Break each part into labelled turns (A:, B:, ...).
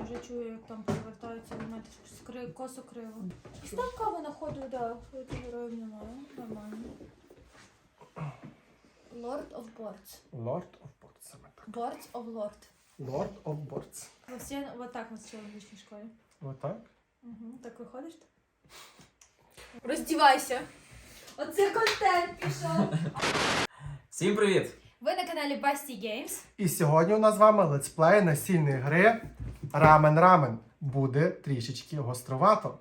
A: вже чую, як там перевертаються елементи, косо криво. Став каву на ходу, да, героїв немає, нормально. Lord of Boards.
B: Lord of Boards, саме так.
A: Boards of Lord.
B: Lord of Boards.
A: Вот так нас вчили в англійській школі.
B: Отак?
A: Угу. Так виходиш? Роздівайся. Оце контент пішов.
C: Всім привіт!
A: Ви на каналі Basti Games.
B: І сьогодні у нас з вами летсплей настільної гри Рамен-Рамен. Буде трішечки гостровато.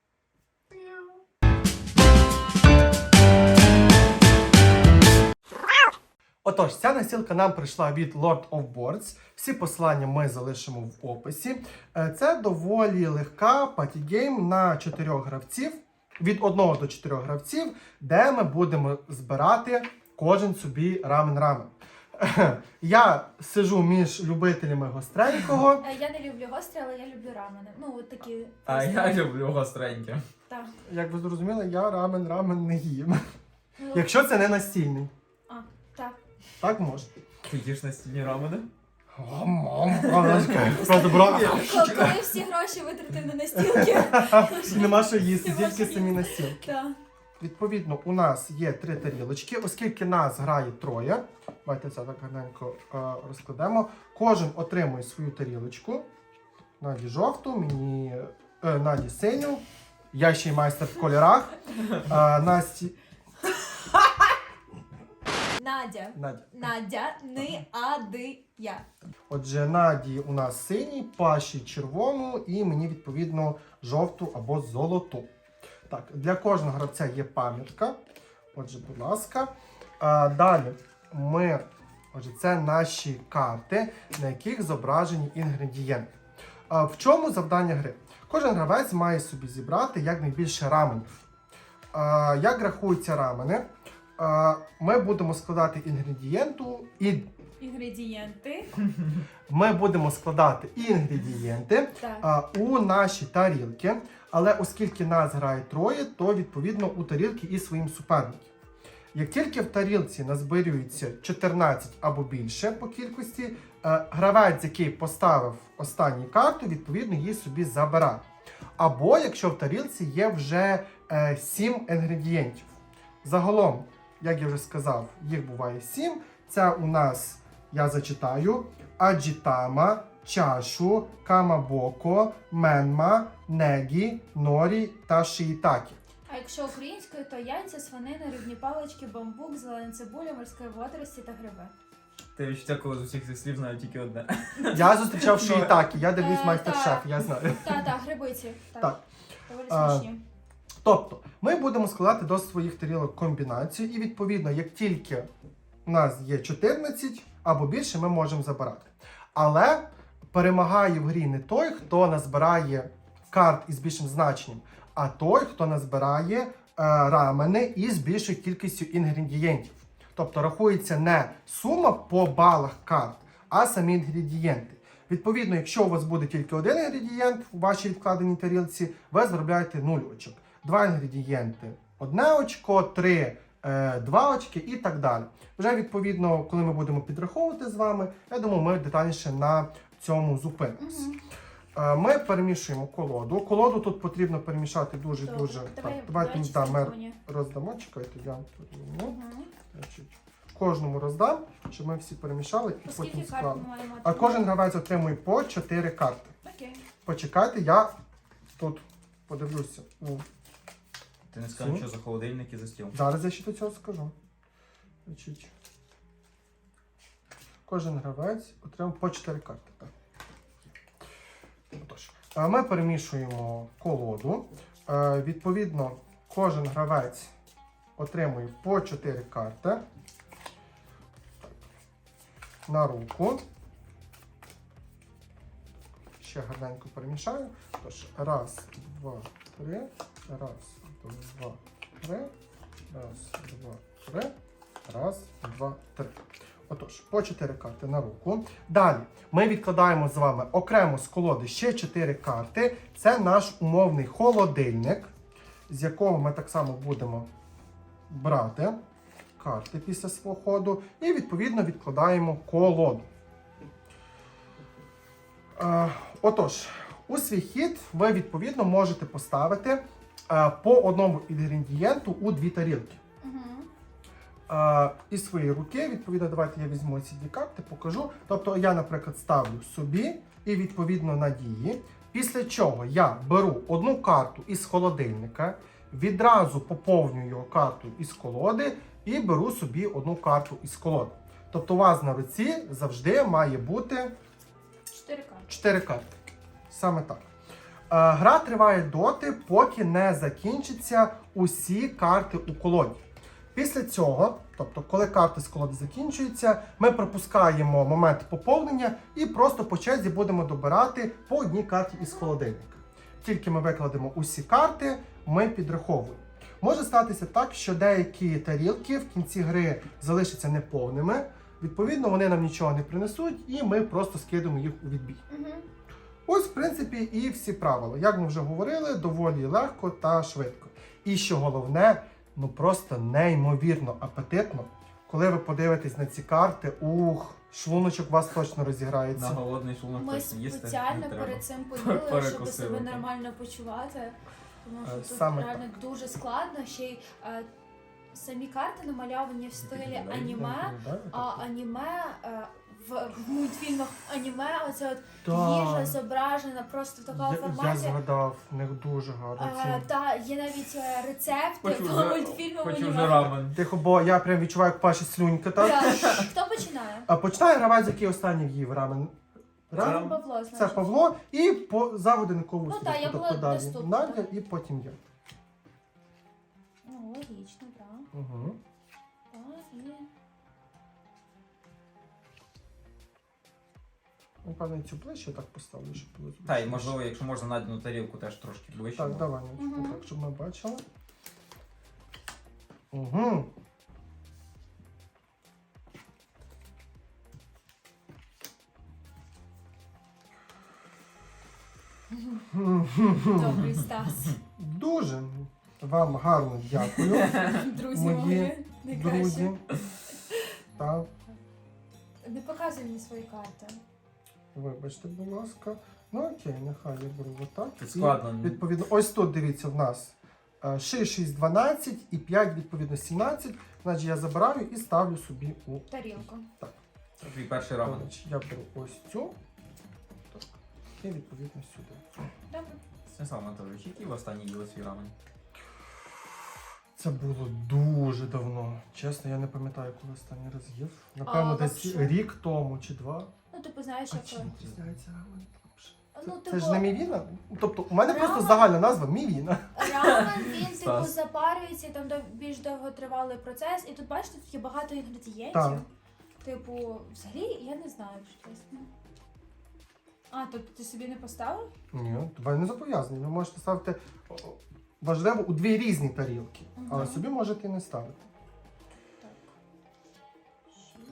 B: Отож, ця настілка нам прийшла від Lord of Boards. Всі посилання ми залишимо в описі. Це доволі легка патігейм на 4 гравців, від 1 до 4 гравців, де ми будемо збирати кожен собі рамен-рамен. Я сиджу між любителями гостренького.
A: Я не люблю гострі, але я люблю рамени. Ну, от такі.
C: А я люблю гостреньке.
A: Так.
B: Як ви зрозуміли, я рамен-рамен не їм.
A: Ну,
B: Якщо це не настільний.
A: так.
B: Так може.
C: Ти їш настільні рамени?
B: О, мам, просто брав.
A: Коли всі гроші витратив на настілки.
B: І нема що їсти,
A: Нема
B: тільки
A: що
B: самі
A: їсти.
B: настілки.
A: Так.
B: Відповідно, у нас є 3 тарілочки, оскільки нас грає 3. Давайте це так гарненько розкладемо. Кожен отримує свою тарілочку. Наді жовту, мені Наді синю. Я ще й майстер в кольорах. Насті...
A: Надя, не ади я.
B: Отже, Наді у нас синій, Паші червону і мені, відповідно, жовту або золоту. Так, для кожного гравця є пам'ятка. Отже, будь ласка. Далі це наші карти, на яких зображені інгредієнти. В чому завдання гри? Кожен гравець має собі зібрати якнайбільше раменів. Як рахуються рамени? Ми будемо складати Ми будемо складати інгредієнти у наші тарілки, але оскільки нас грає 3, то відповідно у тарілки і своїм суперникам. Як тільки в тарілці назбирюється 14 або більше по кількості, гравець, який поставив останню карту, відповідно її собі забирає. Або якщо в тарілці є вже 7 інгредієнтів. Загалом, як я вже сказав, їх буває 7. Це у нас, я зачитаю, аджітама, чашу, камабоко, менма, негі, норі та шиїтакі.
A: А якщо українською, то яйця, свинина, рибні палички, бамбук, зелена цибуля, морські водорості та гриби.
C: Ти відчуття, коли з усіх цих слів знаю тільки одне.
B: Я зустрічав шиїтакі, я дивлюсь майстер-шеф, я знаю.
A: Так, грибиці.
B: Так.
A: Доволі смачні.
B: Тобто, ми будемо складати до своїх тарілок комбінацію і, відповідно, як тільки у нас є 14 або більше, ми можемо забирати. Але перемагає в грі не той, хто назбирає карт із більшим значенням, а той, хто назбирає рамени із більшою кількістю інгредієнтів. Тобто рахується не сума по балах карт, а самі інгредієнти. Відповідно, якщо у вас буде тільки один інгредієнт у вашій відкладеній тарілці, ви заробляєте 0 очок. 2 інгредієнти – 1 очко, 3 – 2 очки і так далі. Вже відповідно, коли ми будемо підраховувати з вами, я думаю, ми детальніше на цьому зупинимось. Ми перемішуємо колоду. Колоду тут потрібно перемішати дуже-дуже. Давайте ми роздамо, чекайте, я кожному роздам, щоб ми всі перемішали і потім склали. А кожен гравець отримує по 4 карти.
A: Окей.
B: Почекайте, я тут подивлюся.
C: Ти не скажеш, що за холодильник і за стіл.
B: Зараз я ще до цього скажу. Значить, кожен гравець отримав по 4 карти. Так. Отож, ми перемішуємо колоду. Відповідно, кожен гравець отримує по 4 карти на руку. Ще гарненько перемішаю. Тож, 1, 2, 3, 1, 2, 3, 1, 2, 3, 1, 2, 3. Отож, по 4 карти на руку. Далі ми відкладаємо з вами окремо з колоди ще 4 карти. Це наш умовний холодильник, з якого ми так само будемо брати карти після свого ходу. І відповідно відкладаємо колоду. Отож, у свій хід ви відповідно можете поставити по одному інгредієнту у 2 тарілки. Із своєї руки, відповідно, давайте я візьму ці 2 карти, покажу. Тобто я, наприклад, ставлю собі і відповідно Надії. Після чого я беру одну карту із холодильника, відразу поповнюю його карту із колоди і беру собі одну карту із колоди. Тобто у вас на руці завжди має бути
A: 4 карти.
B: 4 карти. Саме так. Гра триває доти, поки не закінчаться усі карти у колоді. Після цього, тобто коли карти з колоди закінчуються, ми пропускаємо момент поповнення і просто по черзі будемо добирати по одній карті із холодильника. Тільки ми викладемо усі карти, ми підраховуємо. Може статися так, що деякі тарілки в кінці гри залишаться неповними, відповідно вони нам нічого не принесуть і ми просто скидемо їх у відбій. Ось, в принципі, і всі правила. Як ми вже говорили, доволі легко та швидко. І що головне, ну просто неймовірно апетитно. Коли ви подивитесь на ці карти, шлуночок у вас точно розіграється.
C: На голодний шлунок
A: Ми
C: точно їсти
A: спеціально
C: не треба.
A: перед цим поїли, щоб
C: Перекусили,
A: себе
C: так.
A: нормально почувати. Тому що тут
B: Саме
A: реально дуже складно. Ще й самі карти намальовані в стилі аніме, а аніме в мультфільмах аніме, оце от їжа зображена просто в такому
B: Я
A: форматі.
B: згадав, в них дуже гарно.
A: Та є навіть рецепти
C: Хочу
A: по
C: вже-
A: мультфільму
C: Хочу
A: аніме.
C: вже рамен.
B: Тихо, бо я прям відчуваю, як паше слюнька, так?
A: Так. Хто починає?
B: А починає гравець, який останній в'їв рамен.
A: Це Павло, значить.
B: Це Павло і за годинкову
A: Ну,
B: стрілку.
A: так, я була
B: тобто далі
A: наступна.
B: Надя і потім я.
A: Ну, логічно, так.
B: Угу.
A: Так, і...
B: Напевно, цю ближче так поставлю, щоб було зручно.
C: Та, і можливо, якщо можна Надіну тарілку теж трошки ближче.
B: Так,
C: бо-
B: давай, Надюшка,
A: Мгм.
B: так, щоб ми бачили. Угу.
A: Добрий Стас.
B: Дуже вам гарно дякую,
A: Друзі
B: Мої
A: мої, найкраще.
B: друзі. Так,
A: Не показуй мені свої карти.
B: вибачте, будь ласка. Ну окей, нехай я беру отак.
C: Тут
B: І,
C: складно.
B: відповідно, ось тут дивіться в нас 6, 12 і 5, відповідно, 17. Значить, я забираю і ставлю собі у
A: Тарілку.
C: Це твій перший рамен.
B: Значить, я беру ось цю. Так. І відповідно сюди.
A: Добре.
C: Станіслав Анатолійович, який ви останній їли свій рамен?
B: Це було дуже давно. Чесно, я не пам'ятаю, коли останній раз їв. Напевно, десь
A: лапшу?
B: рік тому чи 2.
A: Ну, типу, знаєш,
B: А
A: як...
B: чим відрізняється рамен?
A: Ну,
B: Це ж не мівіна? Тобто, у мене просто
A: Рамен-
B: загальна назва мівіна.
A: рамен, він, типу,
C: Стас.
A: запарюється, і там більш довготривалий процес. І тут, бачите, тут є багато інгредієнтів.
B: Так.
A: Типу, взагалі, я не знаю, що чесно. А, тобто ти собі не поставив?
B: Ні, ви не зобов'язані. Ви можете ставити важливо у 2 різні тарілки, але
A: Мгм.
B: собі можете і не ставити.
A: Так. 6.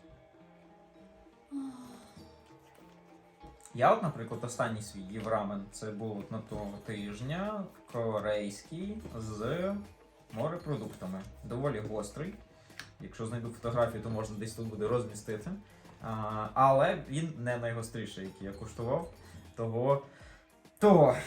C: Я от, наприклад, останній свій їв рамен. Це було от на того тижня корейський з морепродуктами. Доволі гострий. Якщо знайду фотографію, то можна десь тут буде розмістити. Але він не найгостріший, який я куштував. Того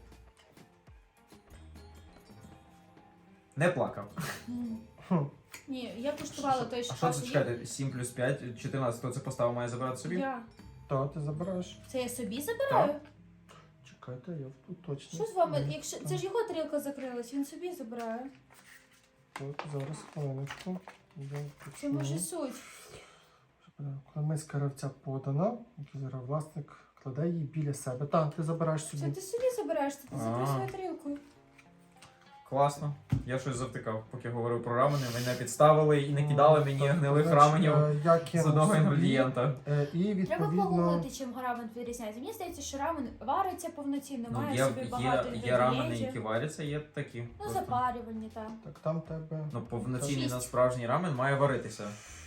C: не плакав.
B: Хм.
A: Ні, я куштувала той,
C: А
A: що
C: що це
A: Паша їв.
C: чекайте? 7 плюс 5, 14. Хто це поставив, має забирати собі?
A: Я.
B: Та ти забираєш.
A: Це я собі забираю?
B: Чекайте, я тут точно.
A: Що з вами? Якщо це ж його тарілка закрилась, він собі забирає.
B: От, зараз хвилиночку. Я
A: Це
B: почну.
A: може суть.
B: Коли миска гравця подана, який зараз власник кладе її біля себе. Так, ти забираєш
A: Це
B: собі.
A: ти собі забираєш, це ти забереш
C: А.
A: свою тарілку.
C: Класно. Я щось завтикав, поки говорив про рамени. Мене підставили і не кидали мені
B: Так,
C: гнилих
B: значить,
C: раменів
B: я
C: з
B: кинув
C: одного
B: собі,
C: інгредієнта.
B: І
A: Треба
B: відповідно.
A: погуглити, чим рамен відрізняється. Мені здається, що рамен вариться повноцінно,
C: Ну,
A: має
C: є,
A: собі багато
C: є рамени,
A: інгредієнтів.
C: які варяться, є такі.
A: Ну,
C: просто.
A: запарювані, так.
B: Так, там тебе.
C: Ну, повноцінний
A: 6.
C: на справжній рамен має варитися.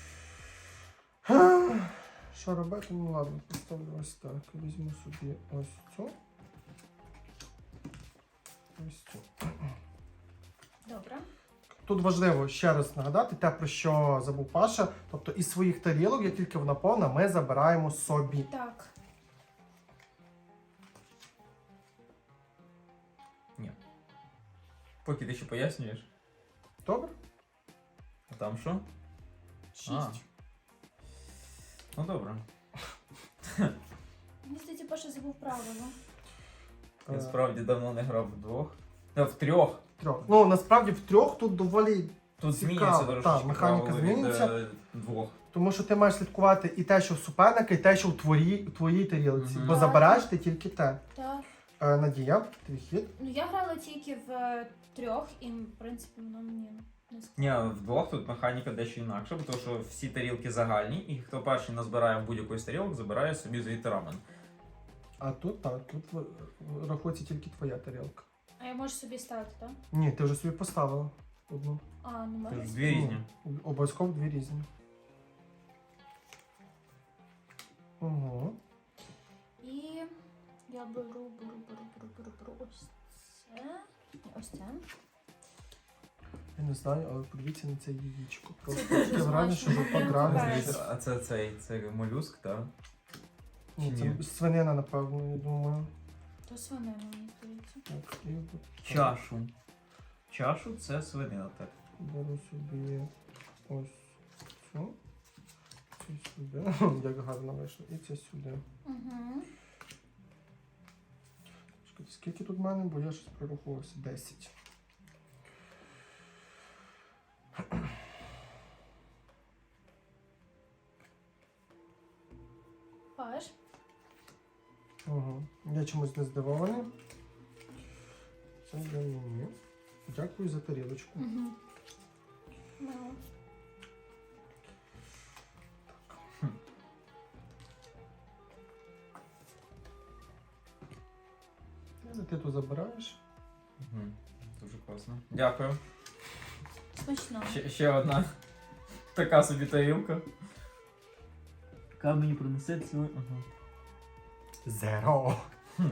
B: Що робити? Ну ладно, поставлю ось так. Візьму собі ось цю. Ось цю.
A: Добре.
B: Тут важливо ще раз нагадати те, про що забув Паша. Тобто із своїх тарілок, як тільки вона повна, ми забираємо собі.
A: Так.
C: Поки ти ще пояснюєш.
B: Добре?
C: А там що?
A: 6.
C: Ну добре.
A: Мені здається, Паша забув правила.
C: Я
B: Е,
C: справді давно не грав вдвох. В трьох.
B: Трьох. Ну, насправді в трьох тут доволі.
C: Тут
B: Цікаво,
C: змінюється
B: так,
C: трошечки
B: механіка
C: правила від
B: змінюється.
C: двох.
B: Тому що ти маєш слідкувати і те, що в суперника, і те, що в твоїй тарілці.
C: Мгм.
B: Бо забираєш ти тільки те.
A: Так.
B: Надія, твій хід.
A: Ну я грала тільки в 3 і, в принципі, воно мені не
C: Ні, вдвох тут механіка дещо інакша, тому що всі тарілки загальні, і хто перший назбирає в будь-якої з тарілок, забирає собі звідти рамен.
B: А тут так, тут рахується тільки твоя тарілка.
A: А я можу собі ставити, так?
B: Ні, ти вже собі поставила одну.
A: А, ну
C: Це
A: можу.
C: ж дві різні.
B: Ну, обов'язково дві різні. Угу.
A: І я беру ось це. Ні, ось це.
B: Я не знаю, але подивіться на це яєчко.
A: Це
B: Просто
A: дуже
B: таке враження, що
A: смачно.
B: ви пограли.
A: Без.
C: А це молюск, так?
B: Ні,
C: Ні.
B: це свинина, напевно, я думаю.
A: То свинина, мені здається.
B: Так, і от так.
C: Чашу. Чашу це свинина, так.
B: Беру собі ось цю. Це сюди. Як гарно вийшло. І це сюди.
A: Угу.
B: Чекайте, скільки тут в мене, бо я щось прорахувався. 10.
A: Паш.
B: Угу. Я чомусь не здивований. Це для мені. Дякую за тарілочку.
A: Угу. Ну.
B: Ти тут забираєш.
C: Угу. Дуже класно. Дякую.
A: Смачно.
C: Ще одна така собі тарілка. Яка мені принесе цю. Ага.
B: Зеро.
C: Хм.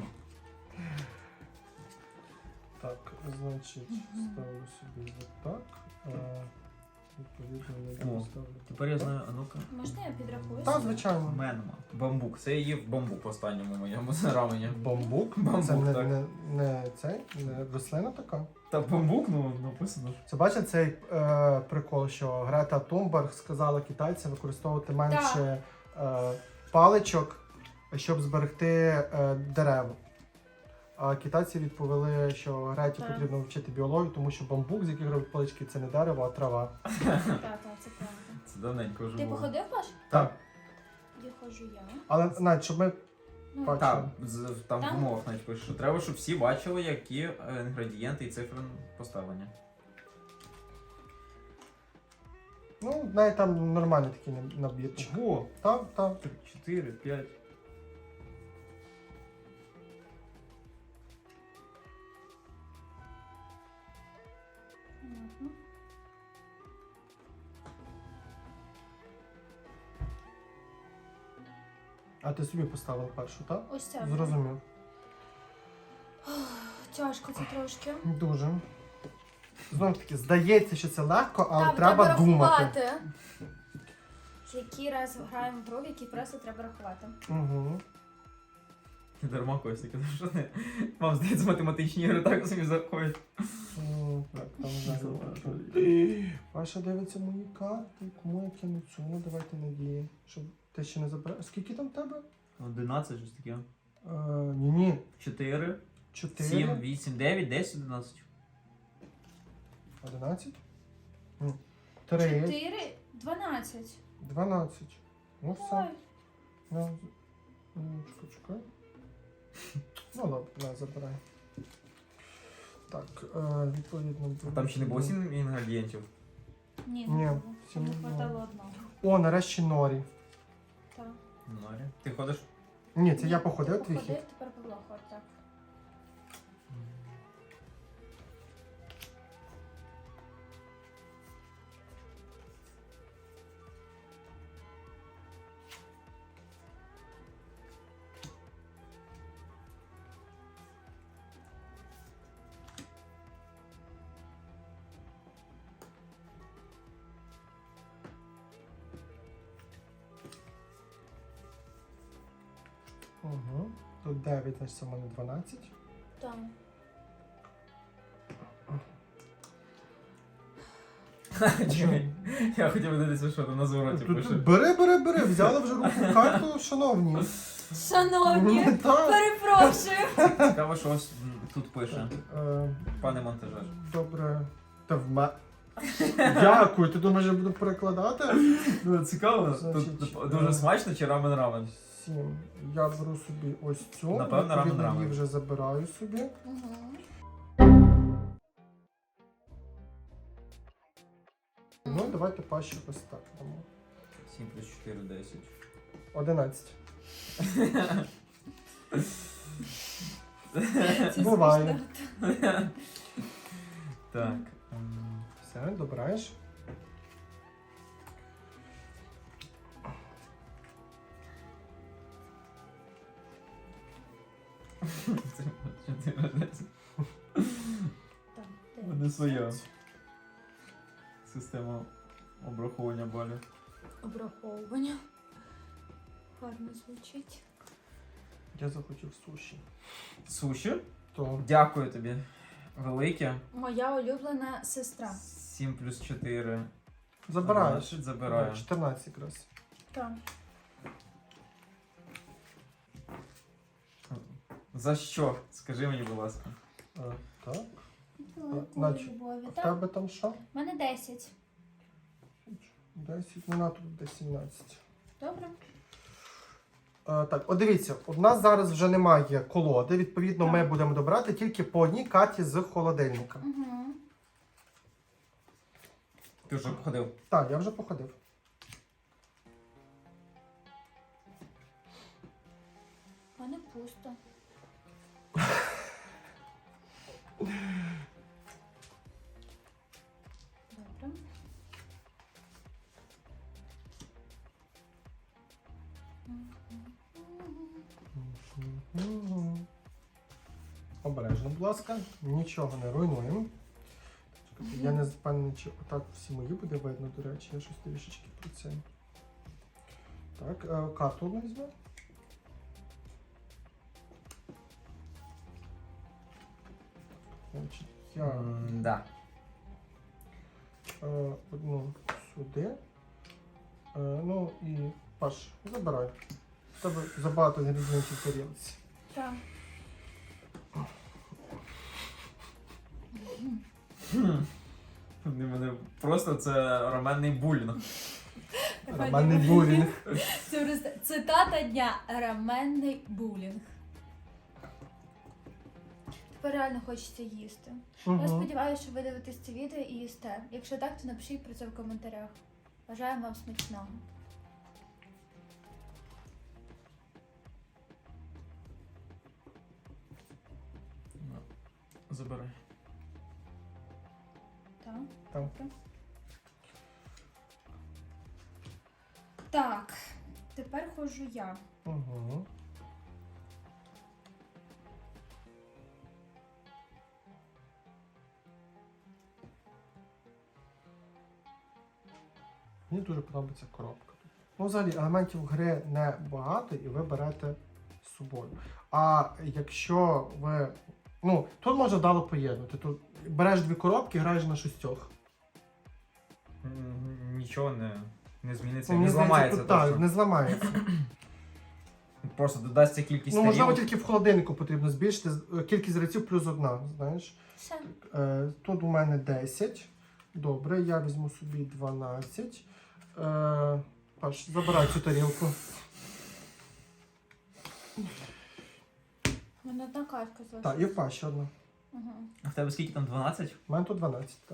B: Так, значить, ставлю собі отак. Відповідно, я
C: О.
B: ставлю.
C: Тепер я знаю, а ну-ка.
A: Можна я підрахую?
B: Так,
A: собі?
B: звичайно.
C: Менма. Бамбук. Це я їв бамбук в останньому моєму рамені.
B: Бамбук.
C: Бамбук,
B: Це не,
C: так.
B: не цей, не рослина така.
C: Та бамбук, ну написано.
B: Це бачите цей прикол, що Грета Тунберг сказала китайцям використовувати менше паличок, щоб зберегти дерева. А китайці відповіли, що Греті
A: Так.
B: потрібно вчити біологію, тому що бамбук, з яких роблять палички, це не дерево, а трава.
A: Так, це правда.
C: Це давненько вже
A: Ти
C: було.
A: походив, Паш?
B: Так.
A: Я ходжу я.
B: Але навіть, щоб ми
A: Ну,
B: Бачу.
C: Так, там в
A: Там?
C: умовах навіть пише, що треба, щоб всі бачили, які інгредієнти і цифри поставлені.
B: ну, навіть там нормальний такий набірчик.
C: Ого!
B: Так, так.
C: 4, 5.
A: понятно.
B: А ти собі поставив першу, так?
A: Ось це.
B: Зрозумів.
A: Тяжко це трошки.
B: Дуже. Знову таки, здається, що це легко, але
A: Так,
B: треба думати.
A: рахувати. Який раз граємо в гру, в який просто треба рахувати.
B: Угу.
C: Дарма Костя казав, що не. Вам здається, математичні ігри так собі заходять.
B: Так, там
C: Заважаю.
B: далі. Паша дивиться мої карти, кому я кину цю, ну давайте надії, щоб ти ще не забрав. Скільки там в тебе?
C: 11, щось таке.
B: Ні-ні,
C: 4,
B: 4,
C: 7, 8, 9, 10, 11.
B: 11, 3,
A: 4, 12.
B: 12. Ну все.
A: Ой.
B: Чекай. Ну ладно, на, забирай. Так, відповідно.
C: Там ще не було 7 інгредієнтів.
A: Ні,
B: Ні,
A: не було.
B: сім
A: Не
B: не було.
A: хватало одного.
B: О, нарешті норі.
A: Так.
C: Норі. Ти ходиш?
B: Ні, це я
A: Ні,
B: походив,
A: ти
B: твій хід.
A: походив, тепер Павло ходить, так.
B: Угу. Тут 9, значить це в мене 12.
A: Так.
C: Я хотів дивитися, що там на звороті пише.
B: Бери, взяли вже руку в карту, шановні.
A: Шановні,
B: Так.
A: перепрошую.
C: Цікаво, що ось тут пише. Пане монтажер.
B: Добре. Та Дякую, ти думаєш, я буду перекладати?
C: Ну, цікаво,
B: Значить,
C: тут дуже смачно чи рамен-рамен?
B: 7. Я беру собі ось цю.
C: Напевно,
B: відповідно,
C: рамен-рамен.
B: її вже забираю собі. Ну, давайте пащу ось так дамо.
C: 7 плюс 4, 10.
B: 11.
A: Це
B: Буває.
A: смішно.
C: Так.
B: Все, добираєш.
C: Це 4, 10.
A: Так,
C: У мене своя система обраховування балів.
A: Обраховування. Гарно звучить.
B: Я захотів суші.
C: Суші?
B: То
C: Дякую тобі. Велике.
A: Моя улюблена сестра.
C: 7 плюс 4.
B: забираєш.
C: 12, забираю.
B: 14 якраз.
A: Так.
C: За що? Скажи мені, будь ласка.
B: Так.
A: Великої любові.
B: В
A: Так.
B: тебе там що?
A: У мене 10.
B: 10, ну на тут буде 17.
A: Добре?
B: Так, от дивіться, у нас зараз вже немає колоди, відповідно, ми
A: Так.
B: будемо добирати тільки по одній карті з холодильника.
A: Угу.
C: Ти вже походив.
B: Так, я вже походив.
A: У мене пусто. Добре.
B: Обережно, будь ласка, нічого не руйнуємо. Чекайте, я не впевнений, чи отак всі мої буде видно, до речі, я щось трішечки про це. Так, карту одну візьму. Значить, я
C: Да.
B: одну сюди. Ну і Паш, забирай. В тебе забагато інгредієнтів в тарілці.
A: Так.
C: Вони мене просто це раменний булінг.
B: Романний булінг.
A: Це просто цитата дня. Раменний булінг. Тепер реально хочеться їсти. Я
B: Мгм.
A: сподіваюся, що ви дивитесь це відео і їсте. Якщо так, то напишіть про це в коментарях. Бажаю вам смачного.
C: Забирай.
A: Так.
B: Так.
A: Так, тепер ходжу я.
B: Угу. Мені дуже подобається коробка. Ну, взагалі, елементів гри не багато і ви берете з собою. А якщо ви. Ну, тут можна вдало поєднати. Тут береш 2 коробки, граєш на 6.
C: Нічого не зміниться,
B: Мені
C: не
B: здається,
C: зламається
B: тут, так,
C: точно.
B: не зламається.
C: Просто додасться кількість
B: Ну, можливо,
C: тарілок.
B: тільки в холодильнику потрібно збільшити кількість гравців плюс 1, знаєш.
A: Все.
B: Тут у мене 10. Добре, я візьму собі 12. Паш, забирай цю тарілку.
A: У мене одна картка залишилась.
B: Так, і в Паші одна.
A: Угу.
C: А в тебе скільки там 12?
B: У мене тут 12, так.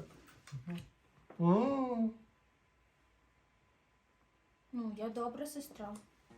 A: Ну, я добра сестра.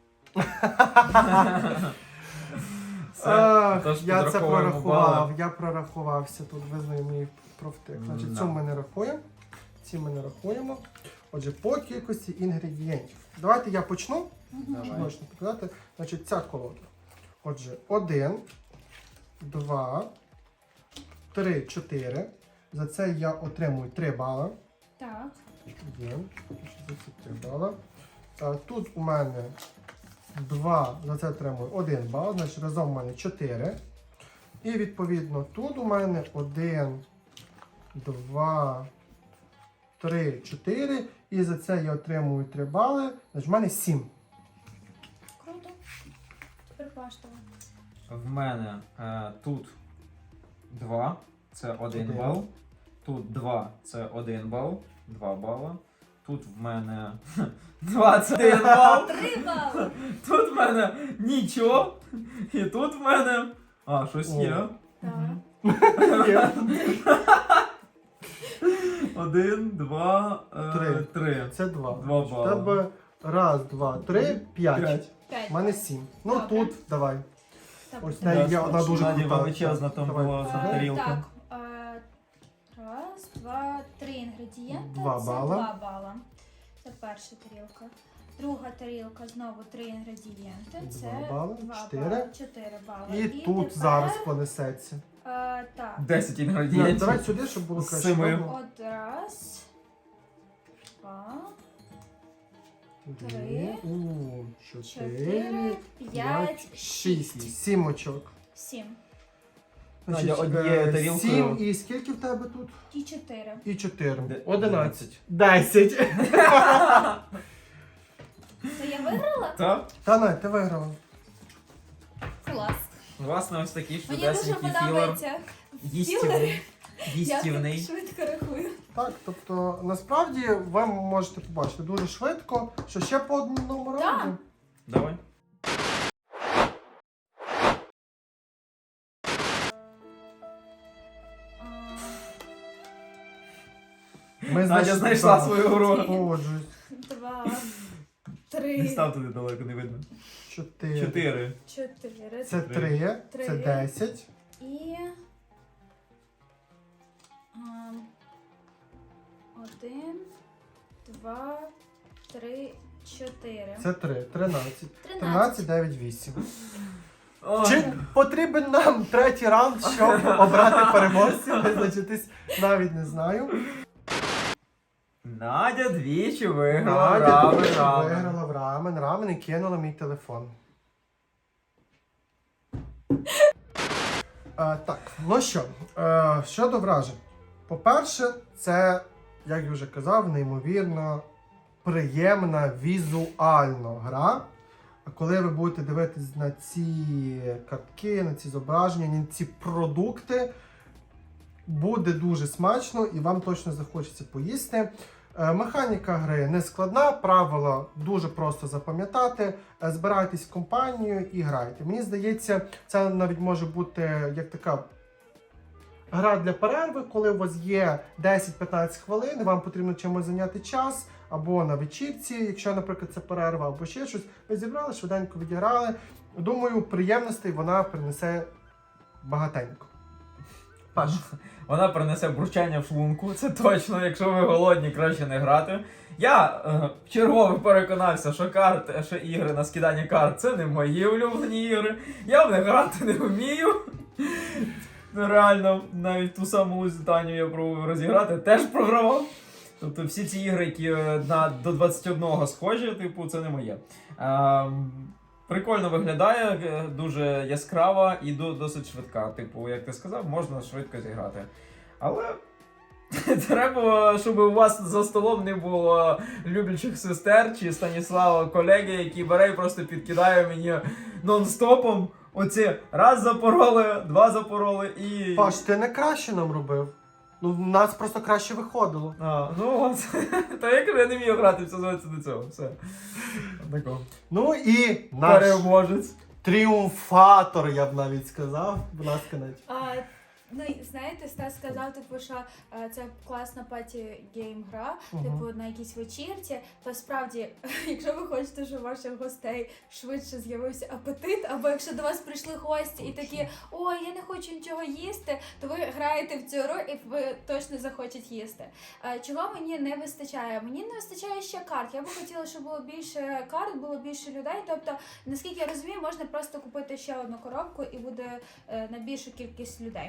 C: Тож
B: Я це
C: підраховуємо
B: прорахував,
C: бали.
B: я прорахувався тут, визнаю мій профтик. Значить,
C: Да.
B: цю ми не рахуємо, ці ми не рахуємо. Отже, по кількості інгредієнтів. Давайте я почну,
C: Давай.
B: щоб можна показати. Значить, ця колода. Отже, 1, 2, 3, 4. За це я отримую 3 бала.
A: Так.
B: Є. За це 3 бала. Тут у мене 2, за це отримую 1 бал, значить разом у мене 4. І відповідно тут у мене 1, 2, 3, 4. І за це я отримую 3 бали. Значить, в мене 7.
A: Круто. Тепер Паштова.
C: В мене тут 2, це 1 бал. Тут 2, це 1 бал, 2 бала. Тут в мене 21 бал.
A: 3 бали.
C: Тут в мене нічого. І тут в мене. Щось є.
A: Так.
C: 1, 2, 3.
B: Це 2.
C: 2
B: В
C: бали.
B: тебе 1, 2, 3, 5.
C: 5.
A: 5.
B: У мене 7. Ну
A: Добре.
B: тут давай.
A: Так.
B: Ось в неї є одна дуже
C: Наді
B: крута.
C: величезна там
B: Давай.
C: була тарілка.
A: Так. 1, 2, 3 інгредієнти.
B: 2
A: Це
B: бала.
A: 2 бала. Це перша тарілка. Друга тарілка знову 3 інгредієнти. Це
B: 2 бали,
A: 2
B: 4.
A: бали, 4 бали.
B: І тут
A: тепер,
B: зараз понесеться.
A: Так.
C: 10
B: Ні,
C: інгредієнтів.
B: давай сюди, щоб було
C: З
B: краще.
C: 7.
B: видно.
A: От раз, 2,
B: 3,
A: Три.
B: 4,
A: 4,
B: 5, 6. 7 очок.
A: 7.
C: Надя, однією тарілкою.
B: 7 і скільки в тебе тут?
A: І 4.
B: І 4.
C: Де-
B: 11. 10.
A: То я виграла?
C: Так.
B: Та Надь, ти виграла.
A: Клас.
C: Власне, ось такий
A: Мені дуже
C: чудесенький філер.
A: подобається.
C: Їстівний.
A: Я
C: Їстівний.
A: швидко рахую.
B: Так, тобто, насправді, ви можете побачити дуже швидко, що ще по одному
A: Так.
B: раунду.
C: Давай.
B: Ми
C: Надя знайшла
B: так,
C: свою гру.
B: Погоджуюсь.
A: 2,
C: Не
A: 3,
C: став туди далеко, не видно.
B: 4.
C: 4.
A: 4.
B: Це 3. Це
A: Три.
B: 10.
A: І 1, 2, 3, 4.
B: Це 3. 13. 13,
A: 13.
B: 9, 8.
C: Ой.
B: Чи потрібен нам третій раунд, щоб обрати переможців? Визначитись навіть не знаю.
C: Надя двічі виграла
B: Надя
C: рамен,
B: дуже
C: рамен.
B: виграла в рамен. Рамен і кинула мій телефон. Так, ну що, щодо вражень. По-перше, це, як я вже казав, неймовірно приємна візуально гра. А коли ви будете дивитись на ці картки, на ці зображення, на ці продукти, буде дуже смачно і вам точно захочеться поїсти. Механіка гри не складна, правила дуже просто запам'ятати. Збирайтесь в компанію і грайте. Мені здається, це навіть може бути як така гра для перерви, коли у вас є 10-15 хвилин, і вам потрібно чимось зайняти час, або на вечірці, якщо, наприклад, це перерва, або ще щось. Ви зібрали, швиденько відіграли. Думаю, приємностей вона принесе багатенько. Паш.
C: Вона принесе бурчання в шлунку, це точно, якщо ви голодні, краще не грати. Я вчергове переконався, що ігри на скидання карт це не мої улюблені ігри. Я в них грати не вмію. Реально, навіть ту саму Лузитанію я пробував розіграти, теж програвав. Тобто всі ці ігри, які до 21 схожі, типу, це не моє. Прикольно виглядає, дуже яскрава і досить швидка. Типу, як ти сказав, можна швидко зіграти. Але треба, щоб у вас за столом не було люблячих сестер чи Станіслава колеги, які бере і просто підкидає мені нон-стопом. Оці раз запороли, два запороли і...
B: Паш, ти не краще нам робив. Ну, в нас просто краще виходило.
C: Ну от. Та я кажу, я не вмію грати, все зводиться до цього. Все. Тако.
B: Ну і наш
C: Переможець.
B: тріумфатор, я б навіть сказав. Будь ласка, Надь.
A: Ну, знаєте, Стас сказав, типу, що це класна паті-гейм гра,
B: Мгм.
A: типу, на якійсь вечірці, то справді, якщо ви хочете, щоб у ваших гостей швидше з'явився апетит, або якщо до вас прийшли гості і такі, ой, я не хочу нічого їсти, то ви граєте в цю гру і ви точно захочете їсти. Чого мені не вистачає? Мені не вистачає ще карт. Я би хотіла, щоб було більше карт, було більше людей. Тобто, наскільки я розумію, можна просто купити ще одну коробку і буде на більшу кількість людей.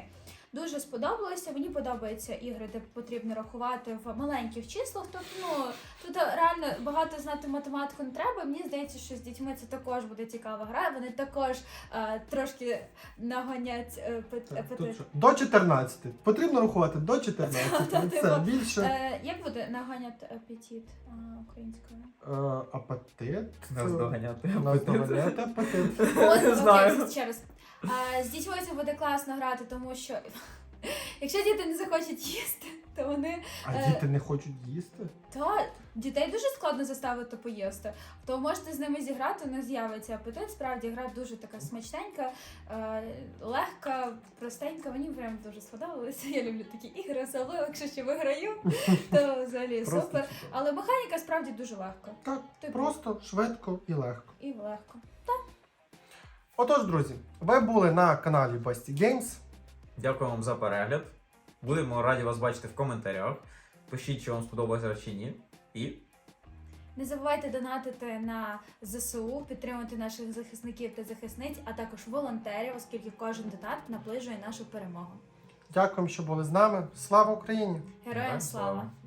A: дуже сподобалося. Мені подобаються ігри, де потрібно рахувати в маленьких числах. Тобто, тут реально багато знати математику не треба. Мені здається, що з дітьми це також буде цікава гра. Вони також трошки нагонять апетит.
B: До 14. Потрібно рахувати до 14.
A: Та,
B: Це
A: типу,
B: більше.
A: Як буде наганять апетит українською?
B: Апетит.
C: Наздоганяти.
B: Наздоганяти апетит.
A: Окей,
C: знаю.
A: ще раз. З дітьми це буде класно грати, тому що якщо діти не захочуть їсти, то вони...
B: А діти не хочуть їсти?
A: Та, дітей дуже складно заставити поїсти. То можете з ними зіграти, не з'явиться апетит. Справді, гра дуже така смачненька, легка, простенька. Мені прям дуже сподобалося. Я люблю такі ігри, особливо, якщо ще виграю, то взагалі
B: Просто
A: супер.
B: супер.
A: Але механіка справді дуже легка.
B: Так,
A: Типу.
B: просто, швидко і легко.
A: І легко.
B: Отож, друзі, ви були на каналі Basti Games.
C: Дякую вам за перегляд. Будемо раді вас бачити в коментарях. Пишіть, чи вам сподобалося чи ні. І
A: Не забувайте донатити на ЗСУ, підтримувати наших захисників та захисниць, а також волонтерів, оскільки кожен донат наближує нашу перемогу.
B: Дякуємо, що були з нами. Слава Україні!
A: Героям слава!